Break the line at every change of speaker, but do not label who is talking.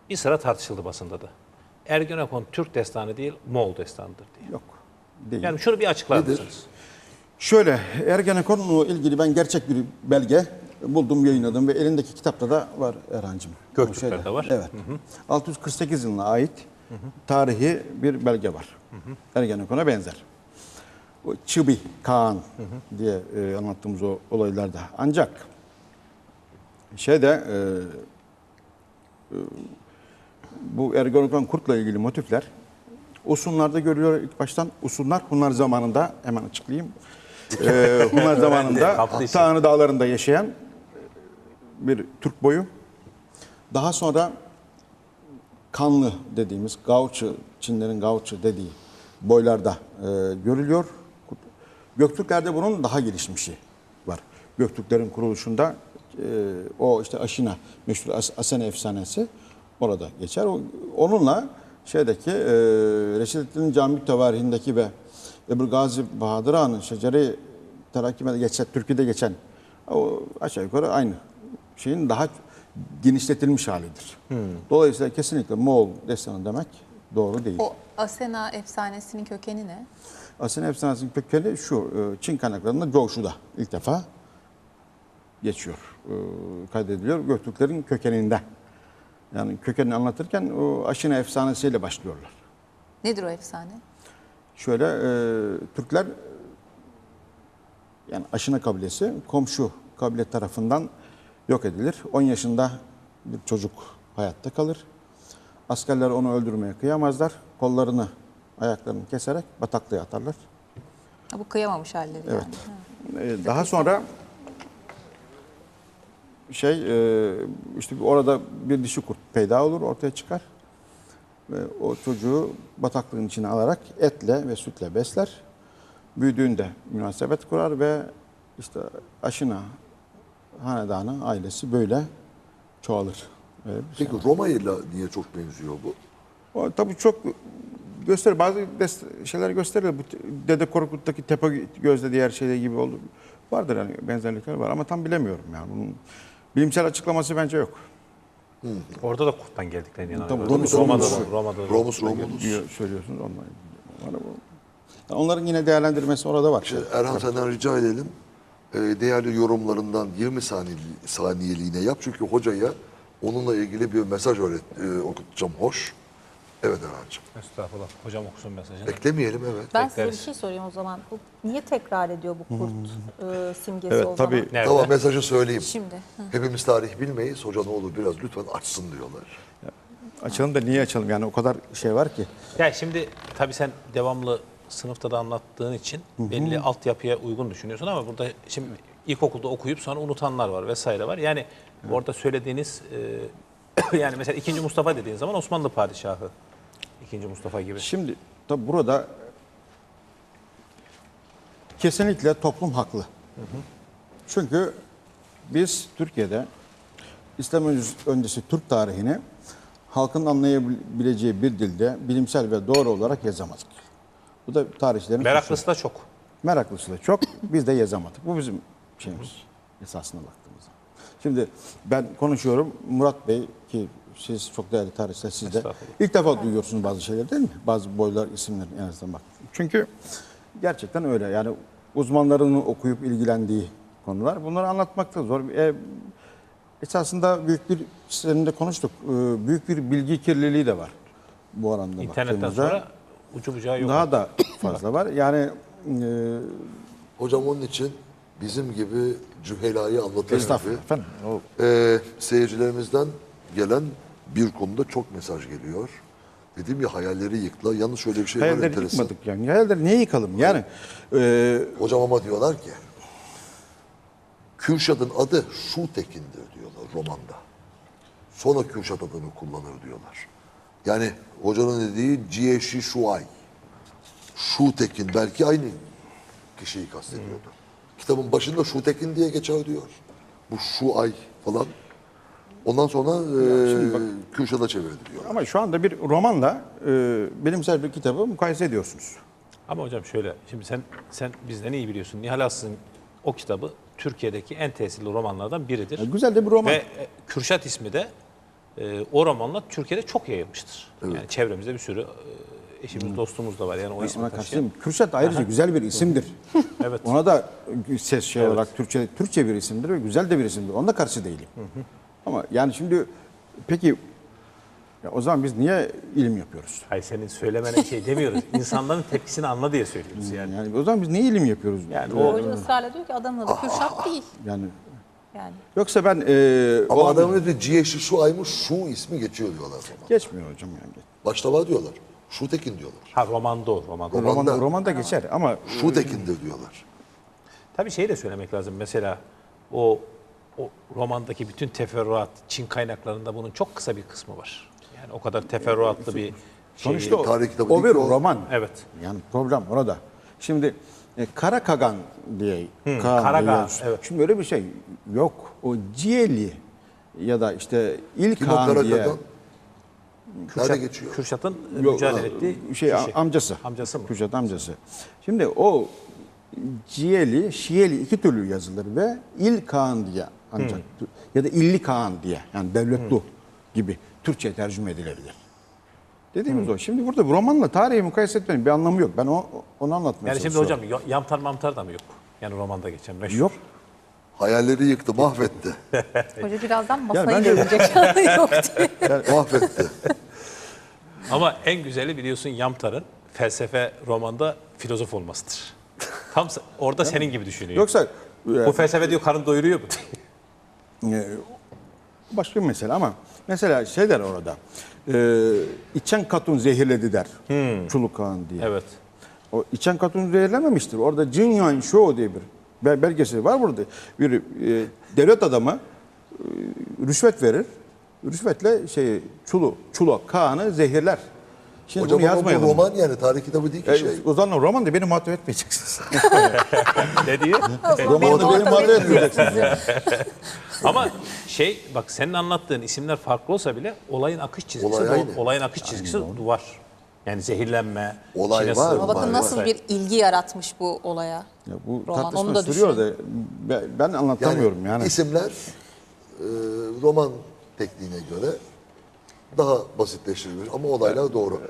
bir sıra tartışıldı basında da. Ergenekon Türk destanı değil, Moğol destanıdır diye.
Yok. Değil.
Yani şunu bir açıklar
Nedir?
mısınız?
Şöyle, Ergenekon'la ilgili ben gerçek bir belge buldum, yayınladım ve elindeki kitapta da var Erhan'cığım.
Göktürkler'de var.
Evet. 648 yılına ait tarihi bir belge var. Ergenekon'a benzer. O Çıbi Kağan diye anlattığımız o olaylarda. Ancak bu Ergenekon kurtla ilgili motifler Usunlarda görülüyor ilk baştan. Usunlar Hunlar zamanında, hemen açıklayayım. Hunlar zamanında Tanrı Dağları'nda yaşayan bir Türk boyu. Daha sonra Kanlı dediğimiz Gauçı, Çinlerin Gauçı dediği boylarda görülüyor. Göktürklerde bunun daha gelişmişi var. Göktürklerin kuruluşunda o işte Aşina, meşhur Asene efsanesi orada geçer. Onunla Reşidettin Cami Tevarihindeki ve Ebu Gazi Bahadır Han'ın Şeceri Terakkime'de geçen, Türkiye'de geçen o aşağı yukarı aynı şeyin daha genişletilmiş halidir. Dolayısıyla kesinlikle Moğol destanı demek doğru değil.
O Asena efsanesinin kökeni ne?
Asena efsanesinin kökeni şu, Çin kaynaklarında Coğuşu'da ilk defa geçiyor, kaydediliyor. Göktürklerin kökeninde. Yani kökenini anlatırken o Aşina efsanesiyle başlıyorlar.
Nedir o efsane?
Şöyle, Türkler, yani Aşina kabilesi komşu kabile tarafından yok edilir. 10 yaşında bir çocuk hayatta kalır. Askerler onu öldürmeye kıyamazlar. Kollarını, ayaklarını keserek bataklığa atarlar.
Ha, bu kıyamamış halleri
Evet.
yani.
Daha sonra işte orada bir dişi kurt peyda olur, ortaya çıkar. Ve o çocuğu bataklığın içine alarak etle ve sütle besler. Büyüdüğünde münasebet kurar ve işte Aşina hanedanı, ailesi böyle çoğalır.
Peki Roma'yla niye çok benziyor bu?
O tabii çok gösterir. Bazı şeyler gösterir. Bu Dede Korkut'taki tepe gözle diğer şeyler gibi oldu. Vardır yani, benzerlikler var ama tam bilemiyorum yani. Bunun bilimsel açıklaması bence yok.
Orada da kurttan geldiklerini inanıyorum.
Roma'da da. Romulus.
Söylüyorsunuz onunla. Onların yine değerlendirmesi orada var.
Erhan senden rica edelim. Değerli yorumlarından 20 saniyeliğine yap. Çünkü hocaya onunla ilgili bir mesaj okutacağım. Hoş. Evet Erhan'cığım.
Estağfurullah. Hocam okusun mesajını.
Beklemeyelim, evet.
Ben size bir
Bekleriz.
şey sorayım o zaman. Bu niye tekrar ediyor bu kurt simgesi
Evet,
o
tabii.
zaman?
Nerede?
Tamam, mesajı söyleyeyim.
Şimdi.
Hepimiz tarih bilmeyiz. Hoca ne olur biraz lütfen açsın diyorlar.
Açalım da niye açalım? Yani o kadar şey var ki.
Ya şimdi tabii sen devamlı sınıfta da anlattığın için belli altyapıya uygun düşünüyorsun ama burada şimdi ilkokulda okuyup sonra unutanlar var vesaire var. Yani orada söylediğiniz yani mesela 2. Mustafa dediğin zaman Osmanlı padişahı 2. Mustafa gibi.
Şimdi tabii burada kesinlikle toplum haklı. Çünkü biz Türkiye'de İslam öncesi Türk tarihini halkın anlayabileceği bir dilde bilimsel ve doğru olarak yazamadık. Bu da tarihçilerin
Meraklısı da çok.
Meraklısı da çok. Biz de yazamadık. Bu bizim şeyimiz esasına baktığımızda. Şimdi ben konuşuyorum. Murat Bey ki siz çok değerli tarihçiler, siz de ilk defa duyuyorsunuz bazı şeyler değil mi? Bazı boylar, isimler en azından bak. Çünkü gerçekten öyle. Yani uzmanların okuyup ilgilendiği konular. Bunları anlatmak da zor. Esasında büyük bir, seninle konuştuk. Büyük bir bilgi kirliliği de var bu oranda
İnternetten
baktığımızda.
sonra ucu bucağı yok.
Daha da fazla var. Yani
Hocam onun için bizim gibi cühelayı anlatır
estağfurullah
gibi
efendim.
seyircilerimizden gelen bir konuda çok mesaj geliyor. Dedim ya, hayalleri yıkla. Yalnız şöyle bir şey var,
Hayalleri
enteresan.
yıkmadık yani. Hayalleri niye yıkalım? Yani
Hocam ama diyorlar ki Kürşat'ın adı Şutekin'dir diyorlar romanda. Sonra Kürşat adını kullanır diyorlar. Yani hocanın dediği Ciyeşi Şuay. Şutekin belki aynı kişiyi kastediyordu. Kitabın başında Şutekin diye geçer diyor. Bu Şuay falan. Ondan sonra Kürşat'a çevirdi diyor.
ama şu anda bir romanla bilimsel bir kitabı mukayese ediyorsunuz.
Ama hocam şöyle, şimdi sen bizden iyi biliyorsun. Nihal Aslı'nın o kitabı Türkiye'deki en tesirli romanlardan biridir.
Güzel de bir roman.
Ve Kürşat ismi de O romanlar Türkiye'de çok yayılmıştır. Yani çevremizde bir sürü eşimiz, dostumuz da var. Yani o ismi
Ona
taşıyan.
karşıyım. Kürşat ayrıca güzel bir isimdir.
Evet.
Ona da ses olarak Türkçe bir isimdir ve güzel de bir isimdir. Ona da karşı değilim. Ama yani şimdi peki ya o zaman biz niye ilim yapıyoruz?
Hayır, senin söylemene şey demiyoruz. İnsanların tepkisini anla diye söylüyoruz yani.
Yani o zaman biz niye ilim yapıyoruz?
Yani
Hoca ısrarla diyor ki adamın adı Kürşat değil.
Yani
Yani
yoksa ben
Ama
o
adamın adı Ciheşi Şuay'mış, Şu ismi geçiyor diyorlar romanda.
geçmiyor hocam yani.
Başta var diyorlar. Şu Tekin diyorlar.
Ha, romanda o. Romanda.
Romanda geçer ama
Şu Tekin'dir diyorlar.
Tabii şeyi de söylemek lazım. Mesela o romandaki bütün teferruat, Çin kaynaklarında bunun çok kısa bir kısmı var. Yani o kadar teferruatlı bir
sonuçta
tarih kitabı
o
değil
bir
ki o.
roman.
Evet.
Yani problem orada. Şimdi Kara Kagan diye
Kara
diye-
Kagan, evet.
Şimdi öyle bir şey yok. O Ciyeli ya da işte İl
Kim o
Kağan diye
Karakadan? Nerede geçiyor?
Kürşat'ın
Yok,
mücadele ettiği
amcası.
Amcası mı?
Kürşat amcası. Şimdi o Ciyeli, Şieli iki türlü yazılır ve İl Kağan diye ancak ya da İlli Kağan diye yani devletlu gibi Türkçe tercüme edilebilir. Dediğimiz o. Şimdi burada bu romanla tarihi mukayese etmenin bir anlamı yok. Ben onu anlatmaya
Yani şimdi
çalışıyorum.
hocam yamtar mamtar da mı yok? Yani romanda geçen meşhur.
Yok.
Hayalleri yıktı, mahvetti.
hoca birazdan masayı
bence-
dövecek. Yok diye.
Mahvetti.
Ama en güzeli biliyorsun Yamtar'ın felsefe romanda filozof olmasıdır. Tam orada senin gibi düşünüyor.
Yoksa
Bu felsefe diyor karın doyuruyor mu?
başka bir mesele ama mesela şey der orada. İçen katun zehirledi der. Çuluk Kağan diye.
Evet.
O içen katun zehirlememiştir. Orada Jinyan Shou diye bir belgeseli var burada. Bir devlet adamı rüşvet verir. Rüşvetle Çuluk Kağan'ı zehirler. Şimdi
Hocam
bunu
ama bu
yazmayalım.
roman yani tarih kitabı değil ki şey.
O zaman roman da beni muhatap etmeyeceksiniz.
Ne diyor?
Romanı da beni muhatap etmeyeceksiniz.
Ama bak senin anlattığın isimler farklı olsa bile olayın akış çizgisi
Olay aynı.
olayın akış çizgisi var. Yani zehirlenme,
Olay
Çin'e
var.
sığınma.
Ama bakın
Var,
nasıl
var.
bir ilgi yaratmış bu olaya.
Ya bu
Roman,
tartışma
onu da
sürüyor da
düşünün.
ben anlatamıyorum yani.
İsimler roman tekniğine göre daha basitleştirilmiş ama olaylar doğru.